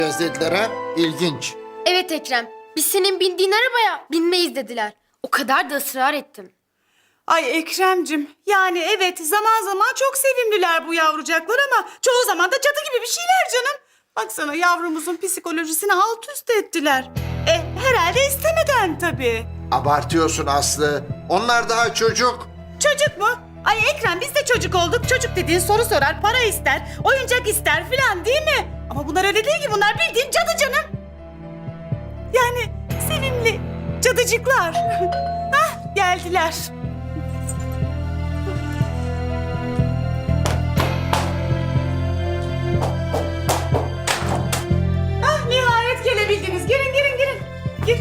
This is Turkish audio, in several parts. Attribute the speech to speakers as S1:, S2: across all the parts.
S1: dediler ha? İlginç.
S2: Evet Ekrem, biz senin bindiğin arabaya binmeyiz dediler. O kadar da ısrar ettim.
S3: Ay Ekrem'cim, yani evet zaman zaman çok sevimliler bu yavrucaklar ama çoğu zaman da cadı gibi bir şeyler canım. Baksana yavrumuzun psikolojisini alt üst ettiler. Herhalde istemeden tabii.
S1: Abartıyorsun Aslı. Onlar daha çocuk.
S3: Çocuk mu? Ay Ekrem biz de çocuk olduk. Çocuk dediğin soru sorar, para ister, oyuncak ister filan değil mi? Ama bunlar öyle değil ki, bunlar bildiğin cadı canım. Yani sevimli cadıcıklar. Hah, geldiler. Ah, nihayet gelebildiniz. Girin, girin, girin. Gir.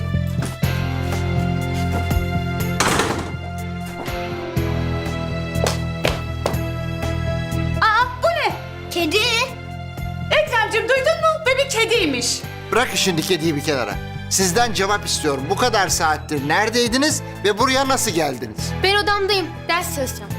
S3: Aa, bu ne?
S4: Kedi.
S3: Ekrem'cim duydun mu? Ve bir kediymiş.
S1: Bırak şimdi kediyi bir kenara. Sizden cevap istiyorum. Bu kadar saattir neredeydiniz ve buraya nasıl geldiniz?
S2: Ben odamdayım, ders çalışacağım.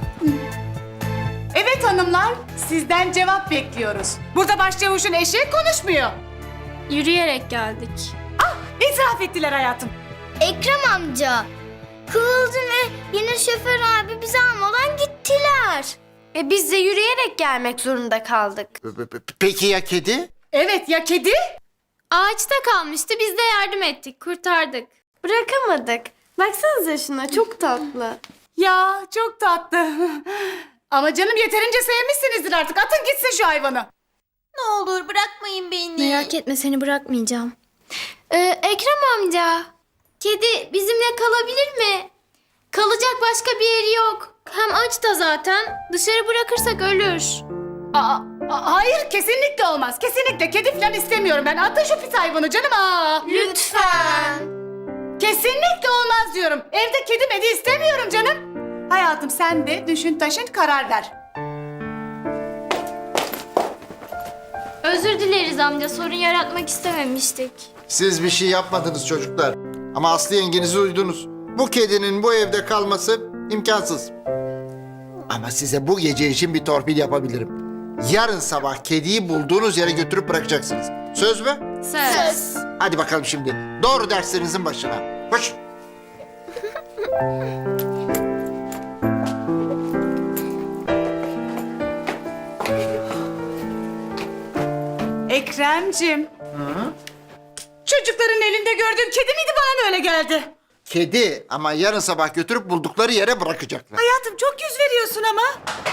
S3: Evet hanımlar, sizden cevap bekliyoruz. Burada başçavuşun eşi konuşmuyor.
S4: Yürüyerek geldik.
S3: Ah, itiraf ettiler hayatım.
S4: Ekrem amca. Kıvılcım ve yine şoför abi bizi almadan gittiler.
S2: Biz de yürüyerek gelmek zorunda kaldık.
S1: Peki ya kedi?
S3: Evet ya kedi?
S4: Ağaçta kalmıştı, biz de yardım ettik, kurtardık.
S2: Bırakamadık. Baksanıza şuna, çok tatlı.
S3: Ya çok tatlı. Ama canım yeterince sevmişsinizdir artık. Atın gitsin şu hayvanı.
S4: Ne olur bırakmayın beni. Merak etme, seni bırakmayacağım. Ekrem amca, kedi bizimle kalabilir mi? Kalacak başka bir yeri yok. Hem aç da zaten. Dışarı bırakırsak ölür.
S3: Hayır kesinlikle olmaz. Kesinlikle kedi falan istemiyorum ben. Atın şu pis hayvanı canım.
S4: Lütfen.
S3: Kesinlikle olmaz diyorum. Evde kedi medi istemiyorum canım. Hayatım sen de düşün taşın karar ver.
S4: Özür dileriz amca, sorun yaratmak istememiştik.
S1: Siz bir şey yapmadınız çocuklar. Ama Aslı yengenizi duydunuz. Bu kedinin bu evde kalması imkansız. Ama size bu gece için bir torpil yapabilirim. Yarın sabah kediyi bulduğunuz yere götürüp bırakacaksınız. Söz mü?
S4: Söz.
S1: Hadi bakalım şimdi. Doğru derslerinizin başına. Koş.
S3: Ekrem'cim. Çocukların elinde gördüğüm kedi miydi, bana mı öyle geldi?
S1: Kedi ama yarın sabah götürüp buldukları yere bırakacaklar.
S3: Hayatım çok yüz veriyorsun ama.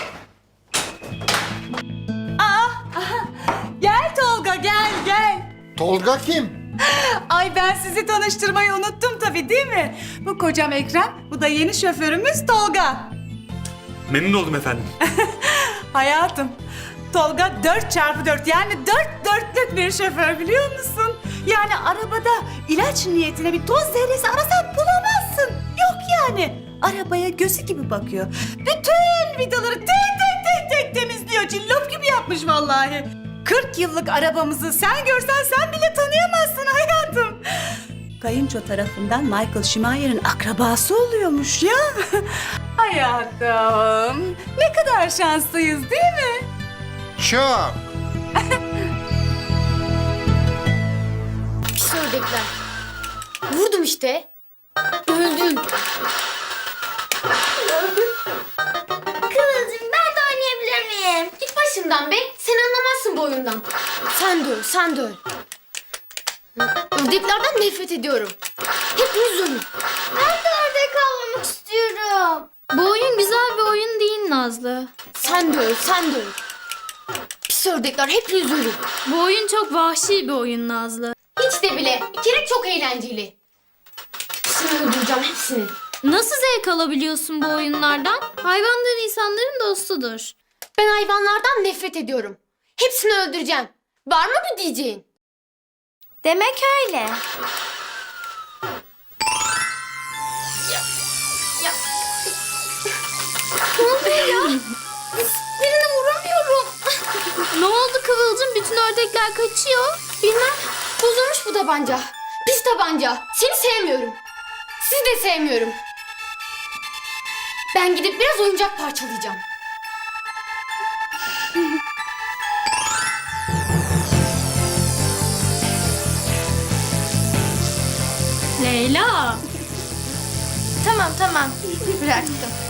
S3: Gel Tolga gel gel.
S1: Tolga kim?
S3: Ay ben sizi tanıştırmayı unuttum tabii değil mi? Bu kocam Ekrem, bu da yeni şoförümüz Tolga.
S5: Memnun oldum efendim.
S3: Hayatım, Tolga 4x4 yani 4 bir şoför biliyor musun? Yani arabada ilaç niyetine bir toz zerresi arasan bulamazsın. Yok yani. Arabaya gözü gibi bakıyor. Bütün vidaları tek temizliyor. Cillop gibi yapmış vallahi. 40 yıllık arabamızı sen görsen sen bile tanıyamazsın hayatım. Kayınço tarafından Michael Schumacher'in akrabası oluyormuş ya. Hayatım, ne kadar şanslıyız değil mi?
S1: Çok.
S2: Pis ördekler. Vurdum işte. Öldüm.
S4: Kıvılcım, ben de oynayabilir miyim?
S2: Git başımdan be. Sen anlamazsın bu oyundan. Sen de öl, sen de öl. Ördeklerden nefret ediyorum. Hepiniz ölün.
S4: Ben de orada kalmak istiyorum. Bu oyun güzel bir oyun değil Nazlı.
S2: Sen de öl, sen de öl. Pis ördekler, hepiniz ölün.
S4: Bu oyun çok vahşi bir oyun Nazlı.
S2: Hiç de bile. Bir kere çok eğlenceli. Hepsini öldüreceğim, hepsini.
S4: Nasıl zevk alabiliyorsun bu oyunlardan? Hayvanlar insanların dostudur.
S2: Ben hayvanlardan nefret ediyorum. Hepsini öldüreceğim. Var mı bir diyeceğin?
S4: Demek öyle.
S2: Ne oluyor ya? Birini vuramıyorum.
S4: Ne oldu Kıvılcım? Bütün ördekler kaçıyor.
S2: Bilmem. Bozulmuş bu tabanca. Pis tabanca. Seni sevmiyorum. Sizi de sevmiyorum. Ben gidip biraz oyuncak parçalayacağım.
S4: Leyla. Tamam tamam bıraktım.